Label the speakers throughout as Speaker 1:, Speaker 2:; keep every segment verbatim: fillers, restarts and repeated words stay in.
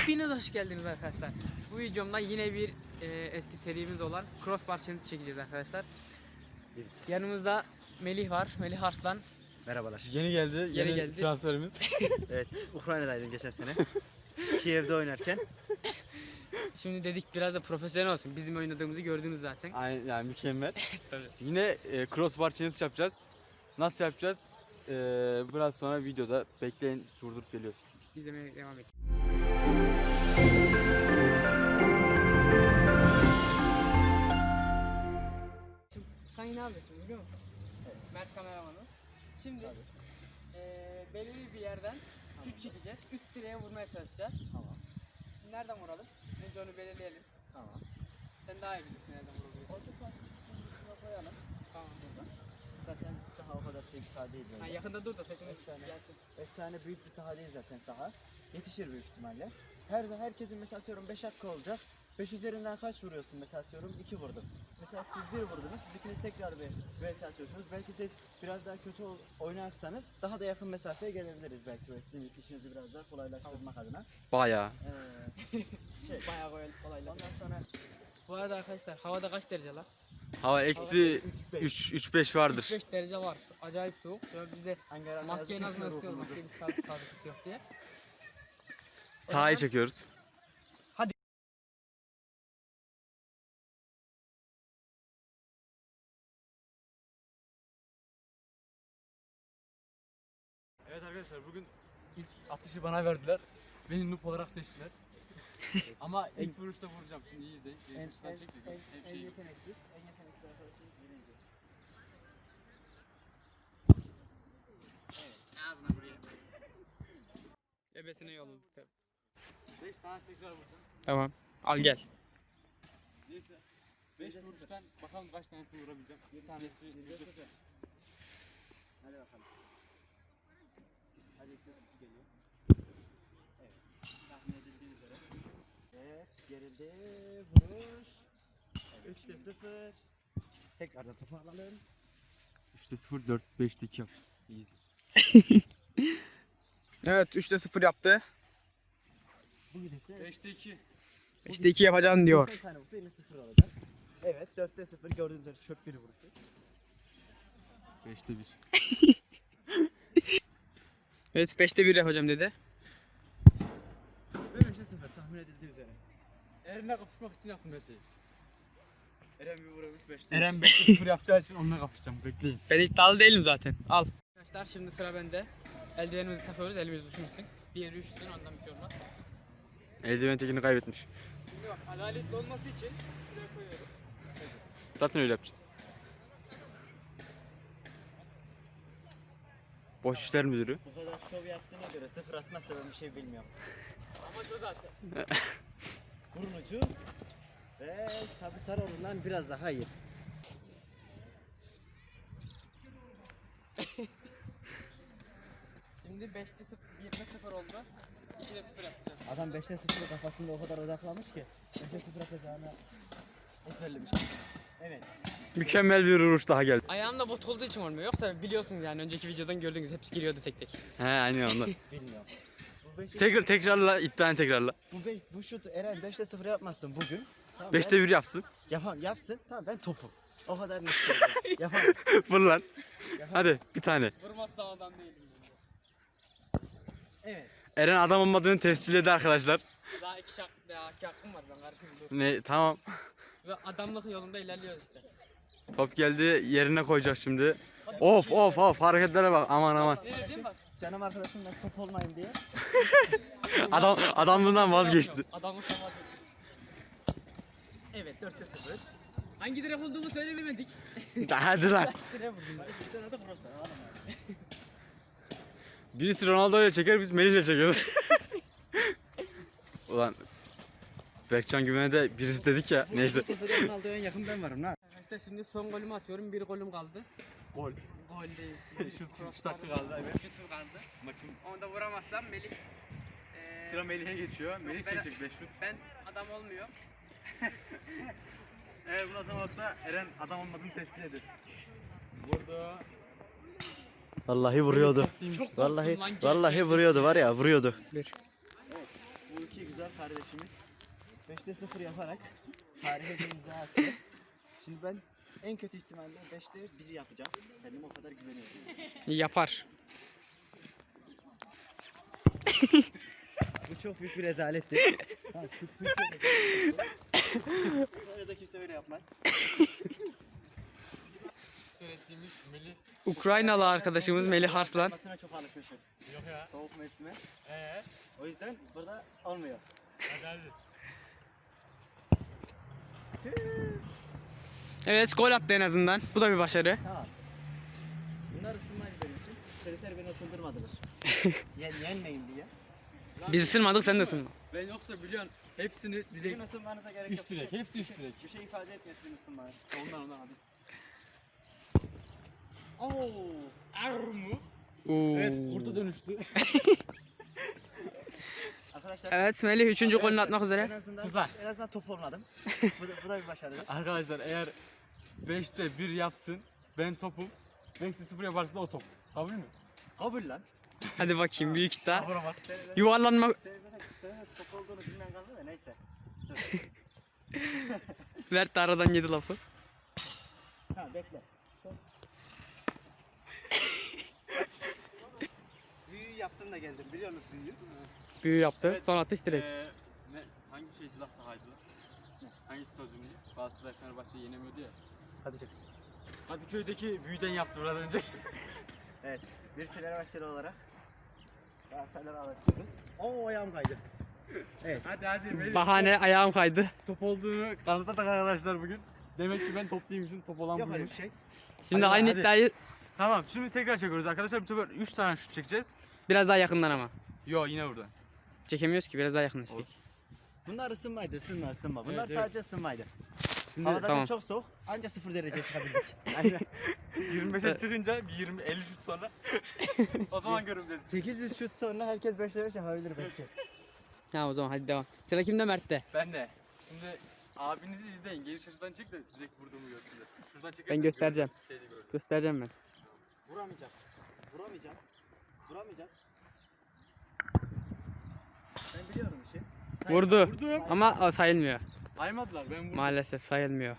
Speaker 1: Hepiniz hoş geldiniz arkadaşlar. Bu videomda yine bir e, eski serimiz olan Crossbar Challenge çekeceğiz arkadaşlar.
Speaker 2: Evet.
Speaker 1: Yanımızda Melih var, Melih Arslan.
Speaker 2: Merhabalar.
Speaker 3: Yeni geldi,
Speaker 1: Yeni
Speaker 3: yeni
Speaker 1: geldi.
Speaker 3: transferimiz.
Speaker 2: Evet, Ukrayna'daydım geçen sene. Kiev'de oynarken.
Speaker 1: Şimdi dedik biraz da profesyonel olsun. Bizim oynadığımızı gördünüz zaten.
Speaker 3: Aynen, yani mükemmel.
Speaker 1: Tabii.
Speaker 3: Yine e, crossbar challenge yapacağız. Nasıl yapacağız? E, biraz sonra videoda bekleyin, durdurup geliyoruz.
Speaker 1: İzlemeye devam et. Sen yine neredesin biliyor musun?
Speaker 2: Evet.
Speaker 1: Mert kameramanımız. Şimdi e, belirli bir yerden şut çekeceğiz. Üst direğe vurmaya çalışacağız.
Speaker 2: Tamam.
Speaker 1: Nereden vuralım? Önce onu belirleyelim.
Speaker 2: Tamam.
Speaker 1: Sen daha iyi bilirsin nereden vurabiliyorsun.
Speaker 2: Orta sahasını koyalım.
Speaker 1: Tamam burada.
Speaker 2: Zaten saha o kadar büyük bir saha değil
Speaker 1: Ha,
Speaker 2: böyle.
Speaker 1: yakında dur da sesimiz
Speaker 2: Efsane.
Speaker 1: gelsin.
Speaker 2: Efsane büyük bir saha değil zaten saha. Yetişir büyük ihtimalle. Her herkesin mesela atıyorum beş hakkı olacak. beş üzerinden kaç vuruyorsun mesela atıyorum iki vurdum. Mesela siz bir vurdunuz, siz ikiniz tekrar bir vs atıyorsunuz. Belki siz biraz daha kötü oynarsanız daha da yakın mesafeye gelebiliriz belki böyle sizin işinizi biraz daha kolaylaştırmak adına.
Speaker 3: Bayağı.
Speaker 2: Ee, şey,
Speaker 1: Bayağı kolay- kolaylar.
Speaker 2: ondan sonra
Speaker 1: Bu arada arkadaşlar havada kaç derece lan?
Speaker 3: Hava eksi
Speaker 2: üç
Speaker 3: üç beş vardır.
Speaker 1: üç beş derece var. Acayip soğuk. Ya biz de
Speaker 2: Ankara
Speaker 1: maskeyi
Speaker 2: yazık
Speaker 1: nasıl
Speaker 2: kesiyor
Speaker 1: istiyoruz?
Speaker 2: ruhumuzu.
Speaker 1: Maskeyi çıkartıp kaldık yok diye.
Speaker 3: Sahayı çekiyoruz. Evet arkadaşlar, bugün ilk atışı bana verdiler. Beni noob olarak seçtiler. Ama ilk vuruşta vuracağım. Şimdi iyi izleyin.
Speaker 2: En, en,
Speaker 3: Şuradan çek de gör.
Speaker 2: en,
Speaker 3: Hep
Speaker 2: en
Speaker 3: şey yok.
Speaker 2: yeteneksiz, en yeteneksiz arkadaşımız birinci.
Speaker 1: Ağzına buraya. Ebesine yolladık tabii.
Speaker 3: beş tane tekrar vuracağım.
Speaker 1: Tamam. Al gel.
Speaker 3: Neyse. beş vuruştan bakalım kaç tanesini vurabileceğim. Bir tanesi yüzde sıfır.
Speaker 2: Hadi bakalım. Hadi ilk de sıfır geliyor. Evet. Tahmin edildiği üzere. Evet. Gerildi. Vuruş. Evet. üçte sıfır. Tekrardan topu alalım.
Speaker 3: üçte sıfır, dört, beşte iki yap. Easy.
Speaker 1: Evet üçte sıfır yaptı.
Speaker 2: Bu gidekte.
Speaker 3: beşte iki.
Speaker 1: İşte iki yapacaksın diyor.
Speaker 2: Bir tane vursa yine sıfır olacak. Evet. dörtte sıfır gördüğünüz üzere çöp biri vuruşu.
Speaker 3: beşte bir.
Speaker 1: Evet beşte bir yapacağım dedi.
Speaker 2: Ve beşte sıfır tahmin edildiği üzere.
Speaker 3: Eren'le kapışmak için yaptım her şeyi.
Speaker 2: Eren bir vuramış beşte.
Speaker 3: Eren beşte sıfır yapacağı için onunla kapışacağım. Bekleyin.
Speaker 1: Ben iddialı değilim zaten. Al. Arkadaşlar şimdi sıra bende. Eldivenimizi takıyoruz. Elimiz düşmesin. Diğeri üşüsün ondan bir şey olmaz.
Speaker 3: Eldiven tekini kaybetmiş.
Speaker 1: Şimdi bak adaletli olması için şuraya koyuyorum.
Speaker 3: Zaten öyle yapacağım. Boş işler müdürü.
Speaker 2: Bu kadar şov yaptığına göre sıfır atmazsa ben bir şey bilmiyorum.
Speaker 1: Amaç o zaten.
Speaker 2: Burun ucu ve Sabri Sarıoğlu'ndan biraz daha iyi.
Speaker 1: Şimdi beşte sıfır, birde sıfır oldu. ikide sıfır yapacağız.
Speaker 2: Adam beşte sıfır kafasında o kadar odaklamış ki beşte sıfır atacağını ezberlemiş. Evet.
Speaker 3: Mükemmel bir vuruş daha geldi.
Speaker 1: Ayağımda bot olduğu için olmuyor. Yoksa biliyorsunuz yani önceki videodan gördüğünüz hepsi giriyordu tek tek.
Speaker 3: He aynen ondan.
Speaker 2: Bilmiyorum. Bu beşte,
Speaker 3: Tekrar tekrarla, iddianı tekrarla.
Speaker 2: bu, beş, bu şut Eren beşte sıfır yapmazsın bugün. Tamam,
Speaker 3: beşte bir yapsın.
Speaker 2: ben, yapam, yapsın. Tamam ben topum. O kadar net söylüyorum. Yapamaz.
Speaker 3: Vur lan.
Speaker 2: Yapamaz.
Speaker 3: Hadi bir tane.
Speaker 1: Vurmazsam adam değilim.
Speaker 2: Evet.
Speaker 3: Eren adam olmadığını tescilledi arkadaşlar.
Speaker 1: Daha iki, şak, daha iki hakkım var ben kardeşim dur.
Speaker 3: Ne tamam.
Speaker 1: Ve adamlık yolunda ilerliyoruz işte.
Speaker 3: Top geldi, yerine koyacak şimdi. Of of of, hareketlere bak, aman aman.
Speaker 1: Ne dedim bak.
Speaker 2: Canım arkadaşım ben top olmayayım diye.
Speaker 3: Adam adamlığından vazgeçti.
Speaker 1: Adamlık olmaz.
Speaker 2: Evet dörtte sıfır.
Speaker 1: Hangi direk olduğumu söylemedik.
Speaker 3: Hadi lan.
Speaker 1: Direk vurdum.
Speaker 2: Bir tane de crossbar alalım.
Speaker 3: Birisi Ronaldo ile çeker, biz Melih ile çekiyoruz. Ulan Berkcan Güven'e de birisi dedik ya, neyse.
Speaker 2: Tepede Ronaldo'ya en yakın ben varım lan.
Speaker 1: Arkadaşlar şimdi son golümü atıyorum. Bir golüm kaldı.
Speaker 3: Gol.
Speaker 1: Gol değil.
Speaker 3: Şut- üç dakika kaldı, evet.
Speaker 1: Şutum kaldı.
Speaker 3: Maçın
Speaker 1: Onu da vuramazsam Melih. Eee
Speaker 3: sıra Melih'e geçiyor. Melih
Speaker 1: Ben-
Speaker 3: çekecek beş şut.
Speaker 1: ben adam olmuyor.
Speaker 3: Eğer bunu atamazsa Eren adam olmadığını tescil eder. Burada
Speaker 2: Vallahi vuruyordu.
Speaker 1: Çok
Speaker 2: Vallahi
Speaker 1: korktum lan,
Speaker 2: vallahi
Speaker 1: gel-
Speaker 2: vuruyordu var ya vuruyordu.
Speaker 1: Bir.
Speaker 2: bu iki güzel kardeşimiz beşte sıfır yaparak tarihe bir imza attı. Şimdi ben en kötü ihtimalle beşte bir yapacağım. Kendime o kadar güveniyorum.
Speaker 1: Yapar.
Speaker 2: Bu çok büyük bir rezaletti. Ha, şu Türkiye'de böyle de kimse öyle yapmaz.
Speaker 3: Söylettiğimiz Melih.
Speaker 1: Ukraynalı arkadaşımız Melih Arslan.
Speaker 2: Olmasına çok alışmışım.
Speaker 3: Yok ya.
Speaker 2: Soğuk mevsime.
Speaker 3: Eee?
Speaker 2: O yüzden burada olmuyor.
Speaker 3: Hadi hadi.
Speaker 1: Evet, gol attı en azından. Bu da bir başarı.
Speaker 2: Tamam. Bunlar ısınmaydı benim için. Polisler beni ısındırmadılar. Yen, yenmeyin diye.
Speaker 1: Biz ısınmadık, sen de ısınma.
Speaker 3: Ben yoksa biliyorsun hepsini dilek.
Speaker 2: Sizin ısınmanıza gerek yok.
Speaker 3: Üst dilek,
Speaker 2: Bir şey-
Speaker 3: hepsi üst
Speaker 2: bir şey-
Speaker 3: dilek.
Speaker 2: Bir şey ifade etmiyor sizin ısınmanız.
Speaker 3: Ondan ondan hadi.
Speaker 2: Oo.
Speaker 3: Armu.
Speaker 1: Oo.
Speaker 3: Evet kurda dönüştü.
Speaker 2: Arkadaşlar.
Speaker 1: Evet, Melih üçüncü golünü
Speaker 2: arkadaşlar,
Speaker 1: atmak üzere.
Speaker 2: En azından,
Speaker 3: Güzel.
Speaker 2: en azından top olmadım. bu, da, bu da bir başarıdır.
Speaker 3: Arkadaşlar eğer beşte bir yapsın ben topum. beşte sıfır yaparsa da o top. Kabul mü?
Speaker 2: Kabul lan.
Speaker 1: Hadi bakayım, büyük iddia.
Speaker 3: Buna bak.
Speaker 2: Senin zaten,
Speaker 1: Yuvarlanma.
Speaker 2: senin zaten, senin zaten top olduğunu bilmen kaldı da neyse.
Speaker 1: Mert de aradan yedi lafı.
Speaker 2: Tamam bekle. Son. Büyüyü yaptım da geldim. Biliyor musun büyüyü?
Speaker 1: Büyü yaptı.
Speaker 3: Evet.
Speaker 1: Son atış direkt.
Speaker 3: Ee, ne, hangi şeydi lan sahaydı lan? Hangi stadyumdu? Galatasaray Fenerbahçe yenemiyordu ya.
Speaker 2: Hadi gel.
Speaker 3: Kadıköy'deki büyüden yaptı biraz önce.
Speaker 2: Evet. Bir Fenerbahçeli olarak Galatasaray'ları anlatıyoruz. Oo ayağım kaydı. Evet.
Speaker 3: Hadi hadi. Melih,
Speaker 1: Bahane, ayağım kaydı.
Speaker 3: Top olduğunu kanıtladık arkadaşlar bugün. Demek ki ben top değilmişim, top olan
Speaker 2: Yok öyle
Speaker 3: buymuş.
Speaker 2: bir şey.
Speaker 1: Şimdi
Speaker 3: Hadi,
Speaker 1: aynı
Speaker 3: hadi.
Speaker 1: iddiayı
Speaker 3: Tamam, şimdi tekrar çekiyoruz arkadaşlar. Bu sefer üç tane şut çekeceğiz.
Speaker 1: biraz daha yakından ama.
Speaker 3: Yo yine buradan.
Speaker 1: Çekemiyoruz ki, biraz daha yakınlaştık.
Speaker 3: Olsun.
Speaker 2: Bunlar ısınmaydı, ısınma, ısınma. Bunlar
Speaker 3: Evet, evet.
Speaker 2: sadece ısınmaydı.
Speaker 3: Şimdi
Speaker 2: Hava zaten
Speaker 1: tamam.
Speaker 2: çok soğuk. Anca sıfır derece çıkabildik.
Speaker 3: yirmi beşe çıkınca bir yirmi elli şut sonra o zaman göreceğiz.
Speaker 2: sekiz yüz şut sonra herkes beşte beş yapabilir belki.
Speaker 1: Ha, o zaman hadi devam. Sıra kimde? Mert'te.
Speaker 3: Ben de. Şimdi abinizi izleyin. Geniş açıdan çek de direkt vurduğumu görsünler. Şuradan çekersen
Speaker 1: Ben göstereceğim.
Speaker 3: görürsünüz, şeyde görürsünüz.
Speaker 1: Göstereceğim ben.
Speaker 2: Vuramayacağım. Vuramayacağım. Vuramayacağım. Ben biliyorum işi.
Speaker 1: Vurdu.
Speaker 3: Vurdum.
Speaker 1: Ama o sayılmıyor.
Speaker 3: Saymadılar ben vurdum.
Speaker 1: Maalesef sayılmıyor.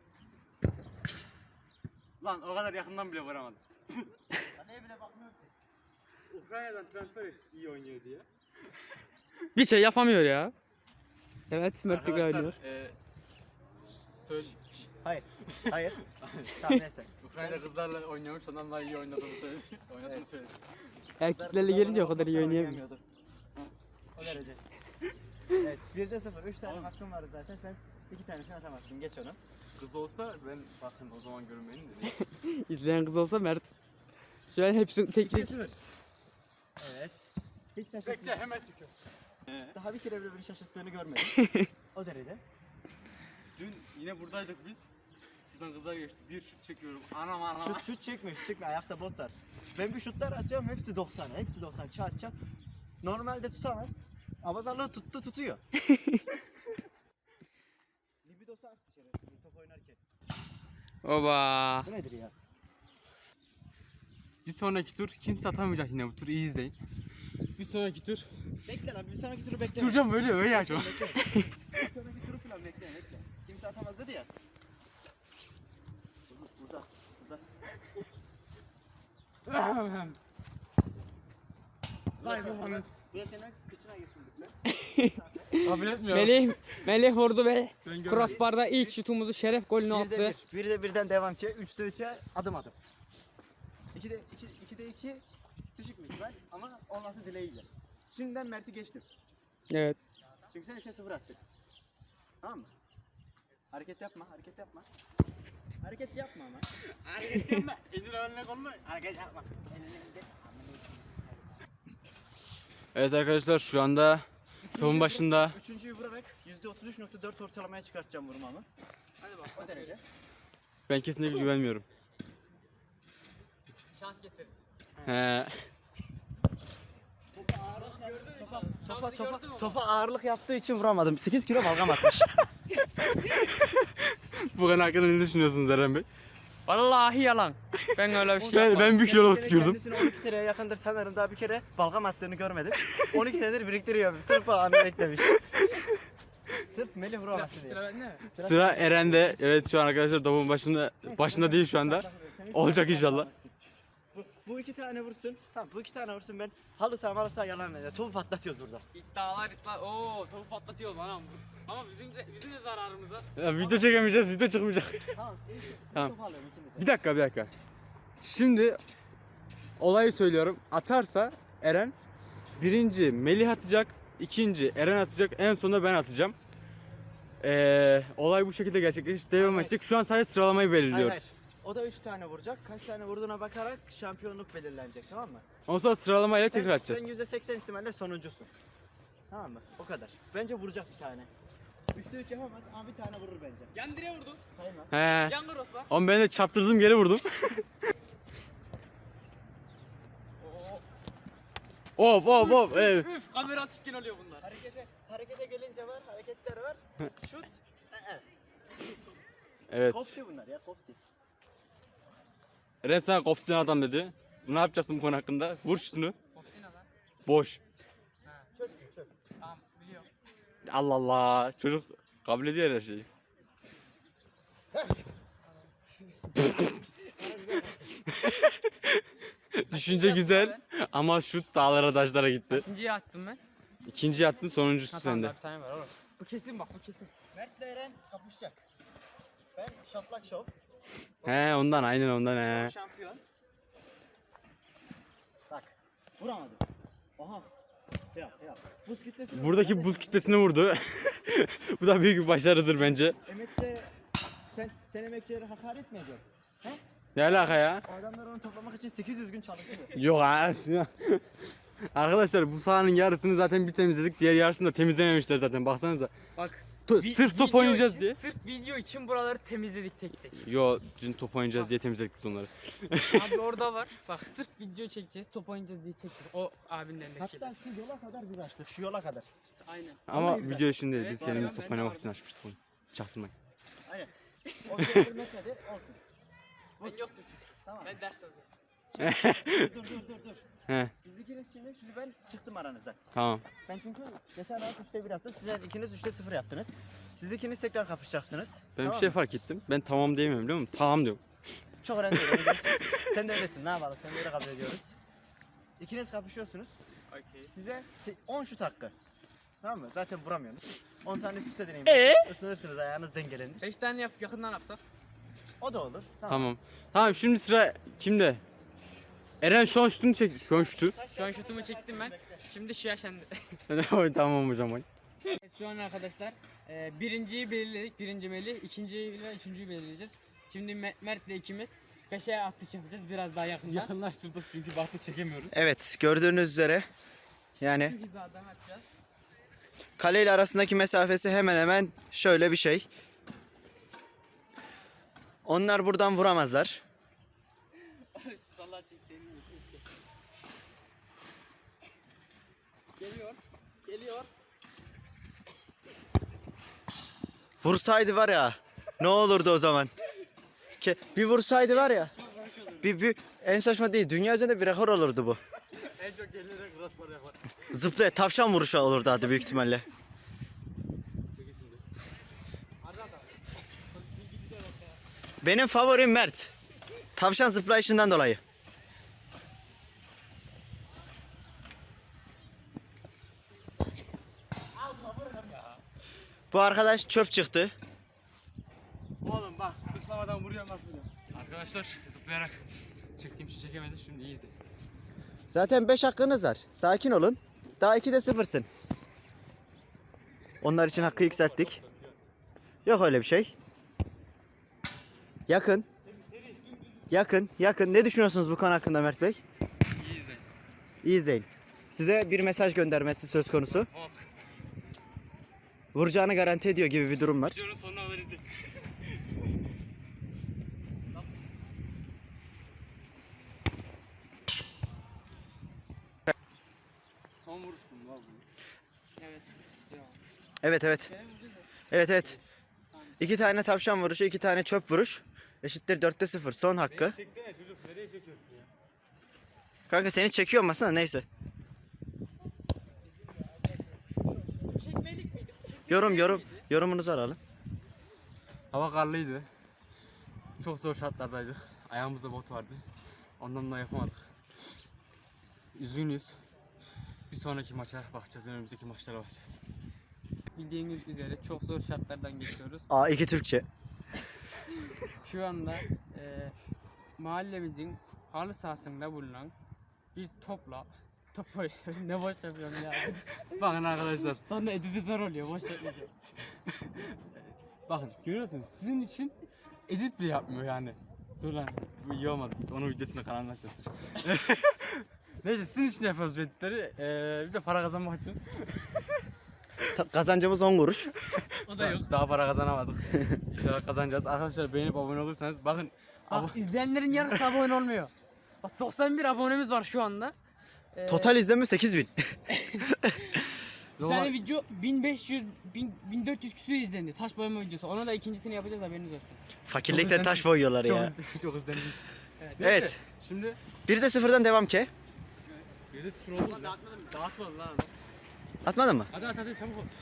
Speaker 3: Lan o kadar yakından bile vuramadım.
Speaker 2: Kaleye bile bakmıyorum ki.
Speaker 3: Ukrayna'dan transfer et, iyi oynuyor diye.
Speaker 1: Bir şey yapamıyor ya. Evet, Mert de
Speaker 3: Arkadaşlar
Speaker 1: oynuyor.
Speaker 3: e, söyle.
Speaker 2: Hayır. Hayır. Tamam neyse.
Speaker 3: Ukrayna kızlarla oynuyormuş, ondan daha iyi oynadığını söyledi. Oynadığını
Speaker 2: Evet.
Speaker 3: söyledi.
Speaker 1: Erkeklerle gelince o kadar iyi oynayamıyor.
Speaker 2: O derece. Evet, birde sıfır. üç tane hakkın vardı zaten. Sen iki tanesini atamazsın. Geç onu.
Speaker 3: Kız olsa ben bakın o zaman görünmeyin de değil.
Speaker 1: İzleyen kız olsa Mert. Şu an hepsini tek
Speaker 2: ikide sıfır. Evet. Hiç
Speaker 3: Bekle
Speaker 2: şaşırtmadım.
Speaker 3: hemen çıkıyor.
Speaker 2: Daha bir kere bile beni şaşırttığını görmedim. O derece.
Speaker 3: Dün yine buradaydık biz. Şuradan kızlar geçti. Bir şut çekiyorum. Anam anam.
Speaker 2: Şut şut çekmiyor, şut çekmiyor. Ayakta bot var. Ben bir şutlar atıyorum, hepsi doksan. Hepsi doksan. Çat çat. Normalde tutamaz. Abazarlığı tuttu, tutuyor. Libidosu attı şerefsiz top oynarken.
Speaker 1: Oba.
Speaker 2: Bu nedir ya?
Speaker 3: Bir sonraki tur kimse atamayacak yine bu tur. İyi izleyin. Bir sonraki tur.
Speaker 2: Bekle lan, bir sonraki turu bekle.
Speaker 3: Duracağım öyle öyle ya şu an.
Speaker 2: Bir sonraki turu falan bekle, bekle. Kimse atamaz dedi ya. Uzat, uzat, uzat. Vay be, bu da senin kıçına girsin lütfen.
Speaker 3: Kabul etmiyorum.
Speaker 1: Melih, Melih vurdu ve
Speaker 3: Ben görmedim.
Speaker 1: crossbar'da ilk şutumuzu şeref golünü
Speaker 2: Bir de
Speaker 1: attı.
Speaker 2: bir, bir de birden devam ki, üçte üçe adım adım. İkide iki, ikide iki düşük bir ihtimal ama olması dileğiyle. Şimdiden Mert'i geçtim.
Speaker 1: Evet.
Speaker 2: Çünkü sen üçe sıfır attık. Tamam mı? Hareket yapma, hareket yapma. Hareket yapma ama.
Speaker 3: Hareket yapma. İndir önüne kolunu. Hareket yapma. Evet arkadaşlar şu anda topun başında.
Speaker 2: Üçüncüyü vurarak yüzde otuz üç nokta dört ortalamaya çıkartacağım vurmamı. Hadi bak o derece.
Speaker 3: Ben kesinlikle güvenmiyorum.
Speaker 1: Şans getirir.
Speaker 3: He.
Speaker 2: Topa ağırlık, topa, topa, topa, topa ağırlık yaptığı için vuramadım. sekiz kilo balgam atmış.
Speaker 3: Bu konu hakkında ne düşünüyorsunuz Eren Bey?
Speaker 1: Vallahi yalan. Ben öyle bir şey
Speaker 4: Ben,
Speaker 1: yapmadım.
Speaker 4: ben bir kiloluk
Speaker 2: Kendisini-
Speaker 4: tutuyordum.
Speaker 2: Kendisini on iki seneye yakındır tanırım, daha bir kere balgam attığını görmedim. on iki senedir biriktiriyorum. Sırf o anı beklemiş. Sırf Melih vuraması diye.
Speaker 1: Sıra bende mi?
Speaker 4: Sıra Eren'de. Evet şu an arkadaşlar topun başında başında değil şu anda. Olacak inşallah.
Speaker 2: Bu, bu iki tane vursun. Tamam, bu iki tane vursun, ben halı saha halı saha yalan veriyor. Topu patlatıyoruz burada.
Speaker 1: İddialar iddialar. Oo topu patlatıyor lan. Ama bizim de, bizim de zararımıza.
Speaker 4: Ya, video çekemeyeceğiz, video çıkmayacak.
Speaker 2: Tamam, siz
Speaker 4: Tamam.
Speaker 2: topu alıyorum ikiniz de.
Speaker 4: Bir dakika bir dakika. Şimdi olayı söylüyorum. Atarsa Eren birinci Melih atacak, ikinci Eren atacak, en sonunda ben atacağım. Ee, olay bu şekilde gerçekleşecek, devam
Speaker 2: Hayır,
Speaker 4: edecek. Şu an sadece sıralamayı
Speaker 2: Hayır,
Speaker 4: belirliyoruz.
Speaker 2: hayır. O da üç tane vuracak. Kaç tane vurduğuna bakarak şampiyonluk belirlenecek, tamam mı?
Speaker 4: Ondan sonra sıralamayla
Speaker 2: Sen-
Speaker 4: tekrar atacağız.
Speaker 2: Sen yüzde seksen ihtimalle sonuncusun. Tamam mı? O kadar. Bence vuracak bir tane. Üçte üç yapamaz ama bir tane vurur bence.
Speaker 1: Yan direğe vurdum.
Speaker 2: Sayılmaz.
Speaker 4: He.
Speaker 1: Yan crossbar.
Speaker 4: Oğlum ben de çarptırdım geri vurdum.
Speaker 1: Oo.
Speaker 4: Of of of. Evet.
Speaker 1: Üf kamera açıkken oluyor bunlar.
Speaker 2: Harekete, harekete gelince var, hareketler var. Şut. Ee,
Speaker 4: Evet.
Speaker 2: Kofti bunlar ya, kofti.
Speaker 4: Eren sana koftin adam dedi. Ne yapacaksın bu konu hakkında? Vur şunu.
Speaker 1: Koftin lan.
Speaker 4: Boş.
Speaker 2: Çök, çök.
Speaker 1: Tamam biliyorum.
Speaker 4: Allah Allah. Çocuk kabul ediyor her şeyi. Düşünce güzel ama şut dağlara taşlara gitti.
Speaker 1: İkinciyi attım ben.
Speaker 4: İkinci attın, sonuncusu
Speaker 1: Ha, tamam,
Speaker 4: sende.
Speaker 1: daha bir tane var oğlum. Bu kesin bak bu kesin.
Speaker 2: Mert'le Eren kapışacak. Ben şaplak şov.
Speaker 4: He ondan aynen ondan he.
Speaker 2: Şampiyon. Bak. Vuramadım. Aha. Ya ya. Buz kütlesi.
Speaker 4: Buradaki buz kütlesine vurdu. Bu da büyük bir başarıdır bence.
Speaker 2: Emekçi, sen, sen emekçilere hakaret mi ediyorsun? He?
Speaker 4: Ne alaka ya?
Speaker 2: O adamlar onu toplamak için sekiz yüz gün çalışıyor.
Speaker 4: Yok ha. Arkadaşlar bu sahanın yarısını zaten bir temizledik. Diğer yarısını da temizlememişler zaten. Baksanıza.
Speaker 1: Bak.
Speaker 4: To-
Speaker 1: vi-
Speaker 4: sırf top
Speaker 1: video
Speaker 4: oynayacağız
Speaker 1: için-
Speaker 4: diye.
Speaker 1: Sırf video için buraları temizledik tek tek.
Speaker 4: Yo dün top oynayacağız diye temizledik biz onları.
Speaker 1: Abi orada var. Bak sırf video çekeceğiz, top oynayacağız diye çekeceğiz. O abinin elindeki şeyler.
Speaker 2: Hatta şu yola kadar bir açtık. Şu yola kadar.
Speaker 1: Aynen.
Speaker 4: Ama
Speaker 2: Vallahi güzel.
Speaker 4: video için değil.
Speaker 1: Evet,
Speaker 4: Biz
Speaker 1: var
Speaker 4: kendimiz
Speaker 1: ya,
Speaker 4: top
Speaker 1: ben de
Speaker 4: oynamak
Speaker 1: vardım.
Speaker 4: için açmıştık onu. Çaktırmayın.
Speaker 2: Aynen. O metredir olsun.
Speaker 1: Ben yoktum.
Speaker 2: Tamam.
Speaker 1: Ben ders alıyorum.
Speaker 2: dur dur dur dur.
Speaker 4: He
Speaker 2: Siz ikiniz şimdi, şimdi ben çıktım aranızdan.
Speaker 4: tamam.
Speaker 2: Ben çünkü geçen hafta üçte bir yaptım. Siz ikiniz üçte sıfır yaptınız. Siz ikiniz tekrar kapışacaksınız.
Speaker 4: Ben
Speaker 2: Tamam
Speaker 4: bir şey
Speaker 2: mı?
Speaker 4: fark ettim. Ben tamam diyemiyorum biliyor musun? Tamam diyorum.
Speaker 2: Çok önemli değil. Sen de öylesin. Ne yapalım? Sen de öyle kabul ediyoruz. İkiniz kapışıyorsunuz.
Speaker 1: Okey.
Speaker 2: Size se- on şut hakkı. Tamam mı? Zaten vuramıyorsunuz. on tane üst üste deneyim.
Speaker 4: Ee?
Speaker 2: Isınırsınız, ayağınız dengelenir.
Speaker 1: beş tane yap, yakından yapsak.
Speaker 2: O da olur. Tamam.
Speaker 4: Tamam. Tamam şimdi sıra kimde? Eren şu an şutunu çek. Şu an şutu.
Speaker 1: Şu an şutumu çektim ben. Şimdi şia sende.
Speaker 4: Tamam hocam.
Speaker 1: Evet, şu an arkadaşlar e, birinciyi belirledik. Birinci Melih, ikinciyi ve üçüncüyü belirleyeceğiz. Şimdi Me- Mert'le ikimiz beşe atış yapacağız biraz daha yakından.
Speaker 4: Yakınlaştırdık çünkü baktı çekemiyoruz.
Speaker 2: Evet, gördüğünüz üzere yani
Speaker 1: Bir hizadan atacağız.
Speaker 2: kale ile arasındaki mesafesi hemen hemen şöyle bir şey. Onlar buradan vuramazlar.
Speaker 1: Sallah çektiğini Geliyor. Geliyor.
Speaker 2: Vursaydı var ya, ne olurdu o zaman? Ke- bir vursaydı var ya, bir, bir en saçma değil, dünya üzerinde bir rekor olurdu bu.
Speaker 4: En çok gelince crossbar yapar.
Speaker 2: Zıplaya tavşan vuruşu olurdu adı büyük ihtimalle. Benim favorim Mert. Tavşan zıplayışından dolayı. Bu arkadaş çöp çıktı.
Speaker 4: Oğlum bak zıplamadan vuruyor nasıl vuruyor. Arkadaşlar zıplayarak çektiğim için çekemedi şimdi iyi izleyin.
Speaker 2: Zaten beş hakkınız var. Sakin olun. Daha ikide sıfırsın. Onlar için hakkı yükselttik. Yok öyle bir şey. Yakın. Yakın, yakın. Ne düşünüyorsunuz bu konu hakkında Mert Bey?
Speaker 4: İyi izleyin.
Speaker 2: İyi izleyin. Size bir mesaj göndermesi söz konusu.
Speaker 4: Hop.
Speaker 2: Vuracağını garanti ediyor gibi bir durum var.
Speaker 4: Videonun sonuna kadar izleyin. Son vuruş mu var bu?
Speaker 1: Evet. Devam.
Speaker 2: Evet evet.
Speaker 1: Gene vuracağız da.
Speaker 2: Evet evet. İki tane tavşan vuruşu, iki tane çöp vuruş. eşittir dörtte sıfır. Son hakkı.
Speaker 4: Çeksene çocuk, nereye çekiyorsun ya?
Speaker 2: Kanka seni çekiyor masana, neyse.
Speaker 1: Çekmelik miydi?
Speaker 2: Yorum yorum yorumunuzu alalım.
Speaker 4: Hava karlıydı. Çok zor şartlardaydık. Ayağımızda bot vardı. Ondan da yapamadık. Üzgünüz. Bir sonraki maça bakacağız. Önümüzdeki maçlara bakacağız.
Speaker 1: Bildiğiniz üzere çok zor şartlardan geçiyoruz.
Speaker 2: A iki Türkçe.
Speaker 1: Şu anda e, mahallemizin halı sahasında bulunan bir topla top oynuyoruz. Ne boş yapıyorum ya.
Speaker 4: Bakın arkadaşlar.
Speaker 1: Sonra editi zor oluyor. Boş yapmayacağım.
Speaker 4: Bakın görüyorsunuz. Sizin için edit bile yapmıyor yani. Dur lan. Bu iyi olmadı. Onun videosunu kanalına açacağız. Neyse sizin için yapıyoruz bu editleri. Ee, bir de para kazanmak için.
Speaker 2: Ta- Kazancımız on kuruş.
Speaker 1: O da yok.
Speaker 4: Daha para kazanamadık. İnşallah kazanacağız. Arkadaşlar beğenip abone olursanız bakın.
Speaker 1: Bak izleyenlerin yarısı abone olmuyor. Bak doksan bir abonemiz var şu anda. Ee,
Speaker 2: Total izlenme sekiz bin.
Speaker 1: bir tane video bin beş yüz bin, bin dört yüz küsur izlendi. Taş boyama videosu. Onu da ikincisini yapacağız, haberiniz olsun.
Speaker 2: Fakirlikte taş boyuyorlar
Speaker 4: çok
Speaker 2: ya.
Speaker 4: izle- çok izlenmiş.
Speaker 1: Evet.
Speaker 2: Evet.
Speaker 4: Şimdi
Speaker 2: Bir de sıfırdan devam ki.
Speaker 4: bir de sıfır oldu. Dağıtmadım. Dağıtmadım lan.
Speaker 2: Atmadın mı?
Speaker 4: Hadi hadi hadi çabuk ol.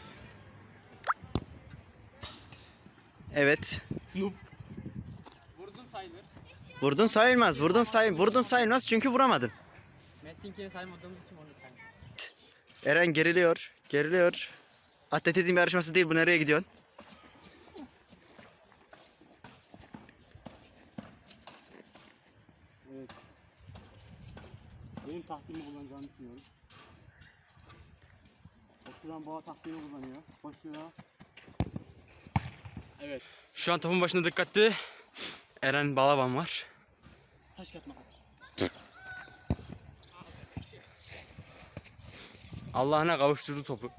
Speaker 2: Evet.
Speaker 4: Noob.
Speaker 1: Vurdun sayılır.
Speaker 2: Vurdun sayılmaz. Vurdun say vurdun sayılmaz çünkü vuramadın.
Speaker 1: Mettinkini saymadığımız için onu saymadım.
Speaker 2: Eren geriliyor. Geriliyor. Atletizm yarışması değil bu, nereye gidiyorsun?
Speaker 4: Evet. Benim tahtilimi kullanacağını düşünüyorum. Oturan boğa tahtilini kullanıyor. Koşuyor. Evet. Şu an topun başında dikkatli. Eren Balaban var.
Speaker 1: Taş kağıt makas.
Speaker 4: Allah'ına kavuşturdu topu.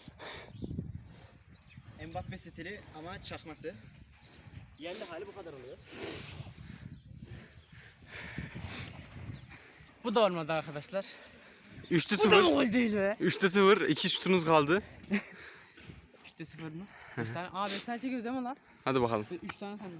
Speaker 2: Mbappe stili ama çakması. Yerli hali bu kadar oluyor.
Speaker 1: Bu da olmadı arkadaşlar.
Speaker 4: üçte
Speaker 1: Bu da mı
Speaker 4: sıfır.
Speaker 1: gol değil be?
Speaker 4: üçte sıfır. iki şutunuz kaldı.
Speaker 1: üçte sıfır mı? üç tane. Aa beş tane çekiyoruz değil mi lan?
Speaker 4: Hadi bakalım.
Speaker 1: üç tane sandım.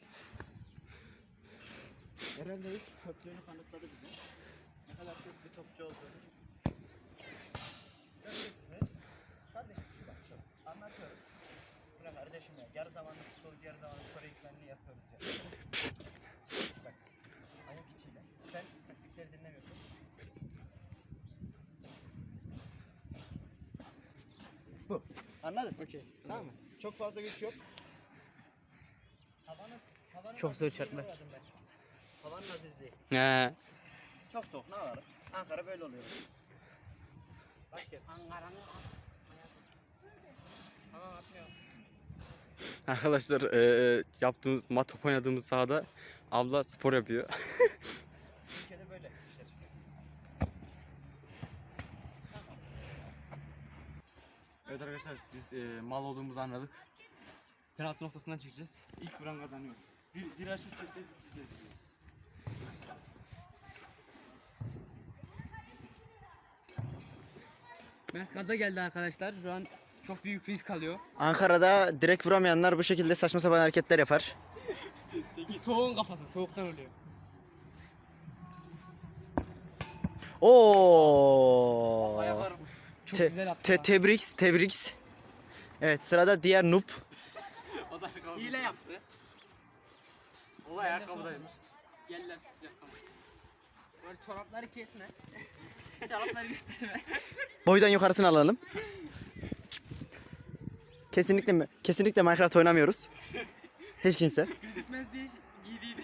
Speaker 2: Eren de ilk topçuğunu kanıtladı bize. Ne kadar çok bir topçu olduğunu. Göreceksiniz. Kardeşim şu bak şu. Anlatıyorum. Bırak kardeşim ya. Yarı zamanlı futbolcu, yarı zamanlı Kore ikmenini yapıyoruz ya. Bak. Ayak içiyle. Sen taktikleri dinlemiyorsun. Bu. Anladın?
Speaker 1: Okey.
Speaker 2: Tamam mı? Çok fazla güç yok. Havanız, havanın
Speaker 1: Çok zor
Speaker 2: azizliğine
Speaker 1: şartlar.
Speaker 2: uğradım ben. Havanın azizliği.
Speaker 4: He.
Speaker 2: Çok soğuk, ne yapalım? Ankara böyle oluyor. Başkent.
Speaker 1: Ankara'nın
Speaker 2: Tamam atmıyorum.
Speaker 4: Arkadaşlar eee yaptığımız mat top oynadığımız sahada abla spor yapıyor.
Speaker 2: Türkiye'de böyle işler.
Speaker 4: Evet arkadaşlar biz eee, mal olduğumuzu anladık. Penaltı noktasından çekeceğiz. İlk vuran kazanıyor. Bir, bir aşık çekeceğiz. çekeceğiz.
Speaker 1: Gaza geldi arkadaşlar. Şu an çok büyük risk alıyor.
Speaker 2: Ankara'da direkt vuramayanlar bu şekilde saçma sapan hareketler yapar.
Speaker 1: Soğuğun kafası. Soğuktan oluyor.
Speaker 2: Oo.
Speaker 1: Ayaklar çok
Speaker 2: Te-
Speaker 1: güzel attı.
Speaker 2: te-
Speaker 1: ha.
Speaker 2: tebriks, tebriks. Evet, sırada diğer noob.
Speaker 4: O da ayakkabı.
Speaker 1: Hile yaptı.
Speaker 4: O da ayakkabıdaymış.
Speaker 1: Yerler sıcak ama. Böyle çorapları kesme. Çorapları gösterme.
Speaker 2: Boydan yukarısını alalım. Kesinlikle mi? Kesinlikle Minecraft oynamıyoruz. Hiç kimse.
Speaker 1: Gözükmez diye giydiydi.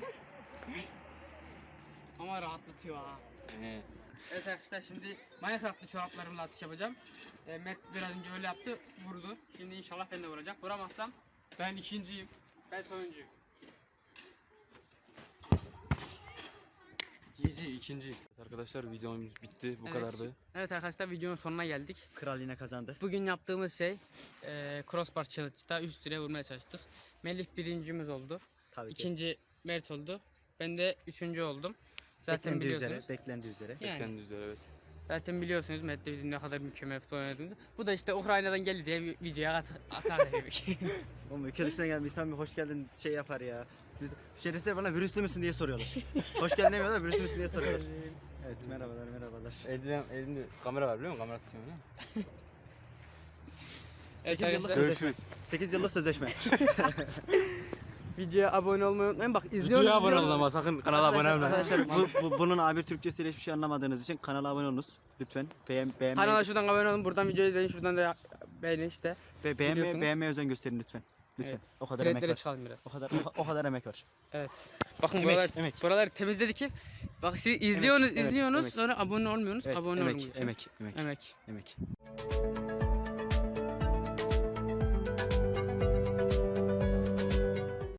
Speaker 1: Ama rahatlatıyor ha.
Speaker 4: He.
Speaker 1: Evet arkadaşlar şimdi Minecraft'lı çoraplarımla atış yapacağım. E, Mert biraz önce öyle yaptı, vurdu. Şimdi inşallah ben de vuracak. Vuramazsam
Speaker 4: Ben ikinciyim.
Speaker 1: ben sonuncuyum.
Speaker 4: G G ikinci. Arkadaşlar videomuz bitti. Bu
Speaker 1: Evet.
Speaker 4: kadardı.
Speaker 1: Evet arkadaşlar videonun sonuna geldik.
Speaker 2: Kral yine kazandı.
Speaker 1: Bugün yaptığımız şey e, crossbar challenge'da üst direğe vurmaya çalıştık. Melih birincimiz oldu.
Speaker 2: Tabii ki.
Speaker 1: İkinci Mert oldu. Ben de üçüncü oldum. Zaten
Speaker 2: Beklendiği üzere,
Speaker 1: biliyorsunuz.
Speaker 2: beklendiği üzere.
Speaker 1: Yani.
Speaker 4: Beklendiği üzere evet.
Speaker 1: Zaten biliyorsunuz Mert'le bizim ne kadar mükemmel futbol oynadığımızı. Bu da işte Ukrayna'dan geldi diye bir videoya at atar dedik.
Speaker 2: Oğlum ülke dışına gelen insan bir hoş geldin şey yapar ya. Şerefsizler bana virüslü müsün diye soruyorlar. Hoş geldin demiyorlar, virüslü müsün diye soruyorlar. Evet, merhabalar, merhabalar.
Speaker 4: Eldiven, elimde kamera var biliyor musun? Kamera tutuyorum ya.
Speaker 2: sekiz
Speaker 1: Evet,
Speaker 2: yıllık
Speaker 1: arkadaşlar.
Speaker 2: sözleşme. sekiz yıllık sözleşme.
Speaker 1: Videoya abone olmayı unutmayın. Bak izliyorsunuz.
Speaker 4: Videoya abone
Speaker 1: izliyorsunuz.
Speaker 4: olun ama sakın kanala abone olmayın.
Speaker 2: Arkadaşlar bu, bu, bunun A bir Türkçesiyle hiçbir şey anlamadığınız için kanala abone olunuz. Lütfen beğen, beğenmeyi,
Speaker 1: Kanala şuradan abone olun. Buradan videoyu izleyin. Şuradan da beğenin işte.
Speaker 2: ve beğenmeye,
Speaker 1: biliyorsunuz.
Speaker 2: beğenmeye özen gösterin lütfen. Lütfen.
Speaker 1: Evet.
Speaker 2: O kadar emek
Speaker 1: Tretlere
Speaker 2: var.
Speaker 1: çıkalım biraz.
Speaker 2: O kadar o, o kadar emek var.
Speaker 1: Evet. Bakın
Speaker 2: Emek,
Speaker 1: buralar,
Speaker 2: emek.
Speaker 1: buraları temizledik ki. Bak siz izliyorsunuz,
Speaker 2: evet,
Speaker 1: izliyorsunuz.
Speaker 2: emek.
Speaker 1: Sonra abone olmuyorsunuz.
Speaker 2: Evet,
Speaker 1: abone
Speaker 2: emek,
Speaker 1: olun.
Speaker 2: emek, emek,
Speaker 1: Emek.
Speaker 2: emek.